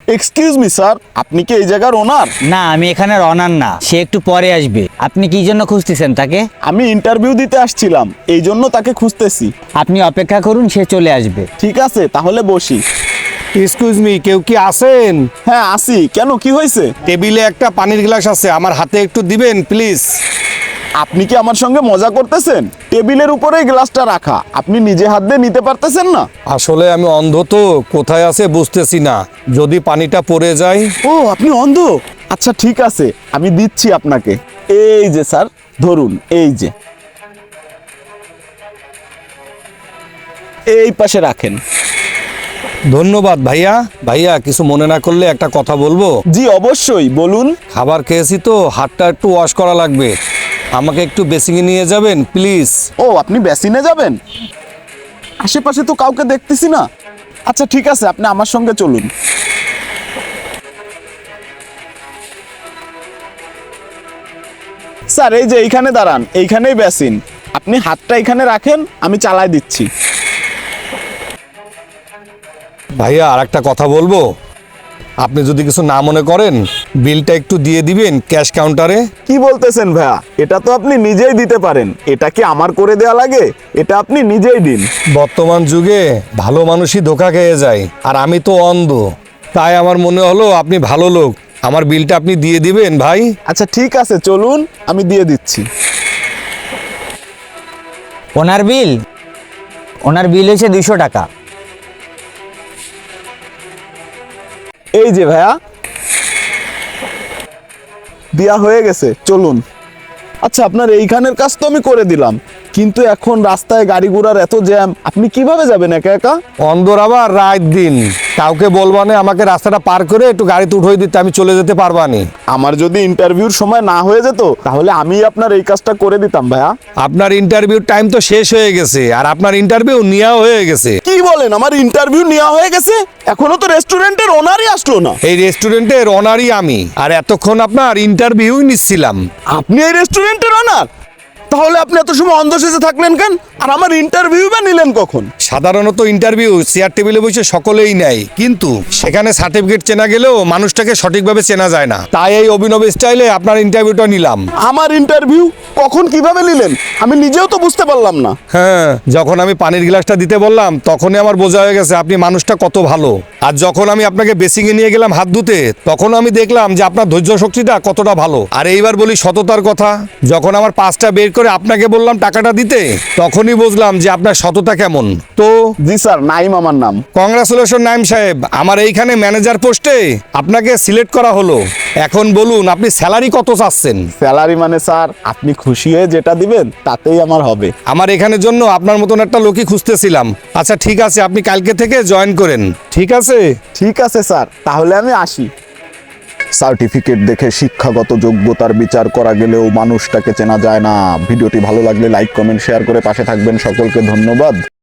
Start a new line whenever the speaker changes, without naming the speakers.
Excuse me sir, আপনি কি এই জায়গার ওনার?
না, আমি এখানের অনার না, সে একটু পরে আসবে। আপনি কি জন্য খুঁজতেছেন তাকে?
আমি ইন্টারভিউ দিতে আসছিলাম, এই জন্য তাকে খুঁজতেছি।
আপনি অপেক্ষা করুন, সে চলে আসবে।
ঠিক আছে, তাহলে বসি।
এক্সকিউজ মি, কেউ কি আছেন?
হ্যাঁ আসি। কেন, কি হয়েছে?
টেবিলে একটা পানির গ্লাস আছে, আমার হাতে একটু দিবেন প্লিজ।
আপনি কি আমার সঙ্গে মজা করতেছেন? টেবিলের উপরেই গ্লাসটা রাখা, আপনি নিজে হাত দিয়ে নিতে পারতেছেন না?
আসলে আমি অন্ধ তো, কোথায় আছে বুঝতেছি না, যদি পানিটা পড়ে যায়।
ও, আপনি অন্ধ? আচ্ছা ঠিক আছে, আমি দিচ্ছি আপনাকে। এই যে স্যার, ধরুন, এই যে, এই পাশে রাখেন।
ধন্যবাদ ভাইয়া। ভাইয়া, কিছু মনে না করলে একটা কথা বলবো?
জি অবশ্যই, বলুন।
খাবার খেয়েছি তো, হাতটা একটু ওয়াশ করা লাগবে, আমাকে একটু বেসিংয়ে নিয়ে যাবেন প্লিজ।
ও, আপনি বেসিনে যাবেন? আশেপাশে তো কাউকে দেখতেছি না। আচ্ছা ঠিক আছে, আপনি আমার সঙ্গে চলুন। স্যার এই যে এইখানে দাঁড়ান, এইখানেই বেসিন। আপনি হাতটা এখানে রাখেন, আমি চালাই দিচ্ছি।
ভাইয়া, আর একটা কথা বলবো, আপনি যদি কিছু না মনে করেন, বিলটা একটু দিয়ে দিবেন ক্যাশ কাউন্টারে।
কি বলতেছেন ভাইয়া? এটা তো আপনি নিজেই দিতে পারেন, এটা কি আমার করে দেয়া লাগে? এটা আপনি নিজেই দিন।
বর্তমান যুগে ভালো মানুষই ধোঁকা খেয়ে যায়, আর আমি তো অন্ধ, তাই আমার মনে হলো আপনি ভালো লোক, আমার বিলটা আপনি দিয়ে দিবেন ভাই।
আচ্ছা ঠিক আছে, চলুন, আমি দিয়ে দিচ্ছি।
ওনার বিল? ওনার বিল হয়েছে 200 টাকা।
এই যে ভাইয়া, দেয়া হয়ে গেছে, চলুন। আচ্ছা, আপনার এইখানের কাজ তো আমি করে দিলাম, কিন্তু এখন রাস্তায় গাড়ি ঘোড়ার এত জ্যাম, আপনি কিভাবে যাবেন একা একা?
অন্ধর আবার রাত দিন, কাউকে বলবানে আমাকে রাস্তাটা পার করে একটু গাড়িতে উঠে দিতে, আমি চলে যেতে পারবানি।
আমার যদি ইন্টারভিউর সময় না হয়ে যেত, তাহলে আমি আপনার এই কাজটা করে দিতাম ভাইয়া।
আপনার ইন্টারভিউ টাইম তো শেষ হয়ে গেছে, আর আপনার ইন্টারভিউ নেওয়া হয়ে গেছে।
কি বলেন, আমার ইন্টারভিউ নেওয়া হয়ে গেছে? এখনো তো রেস্টুরেন্টের ওনারই আসলো না।
এই রেস্টুরেন্টের অনারই আমি, আর এতক্ষণ আপনার ইন্টারভিউ নিচ্ছিলাম।
আপনি এই রেস্টুরেন্টের ওনার? তাহলে আপনি এত সময় অন্ধ সেজে থাকলেন কেন? আর আমার ইন্টারভিউ বা নিলেন কখন?
সাধারণত ইন্টারভিউ চেয়ার টেবিলে বসে সকলেই নেয়, কিন্তু সেখানে সার্টিফিকেট চেনা গেলেও মানুষটাকে সঠিকভাবে চেনা যায় না, তাই এই অভিনব স্টাইলে আপনার ইন্টারভিউটা নিলাম।
আমার ইন্টারভিউ কখন, কিভাবে নিলেন? আমি নিজেও তো বুঝতে পারলাম না।
হ্যাঁ, যখন আমি পানির গ্লাসটা দিতে বললাম, তখনই আমার বোঝা হয়ে গেছে আপনি মানুষটা কত ভালো। আর যখন আমি আপনাকে বেসিংয়ে নিয়ে গেলাম হাত ধুতে, তখন আমি দেখলাম যে আপনার ধৈর্য শক্তিটা কতটা ভালো। আর এইবার বলি সততার কথা, যখন আমার পাঁচটা বের করে আপনাকে বললাম টাকাটা দিতে, তখনই বুঝলাম যে আপনার সততা কেমন। তো
জি স্যার, নাইম আমার নাম।
কংগ্রাচুলেশন নাইম সাহেব, আমার এইখানে ম্যানেজার পোস্টে আপনাকে সিলেক্ট করা হলো। এখন বলুন, আপনি স্যালারি কত চাচ্ছেন?
স্যালারি মানে স্যার, আপনি খুশি হয়ে যেটা দিবেন তাতেই আমার হবে।
আমার এখানের জন্য আপনার মতন একটা লোকই খুঁজতেছিলাম। আচ্ছা ঠিক আছে, আপনি কালকে থেকে জয়েন করেন, ঠিক আছে?
ঠিক আছে স্যার, তাহলে আমি আসি। সার্টিফিকেট দেখে শিক্ষাগত যোগ্যতার বিচার করা গেলেও মানুষটাকে চেনা যায় না। ভিডিওটি ভালো লাগলে লাইক, কমেন্ট, শেয়ার করে পাশে থাকবেন। সকলকে ধন্যবাদ।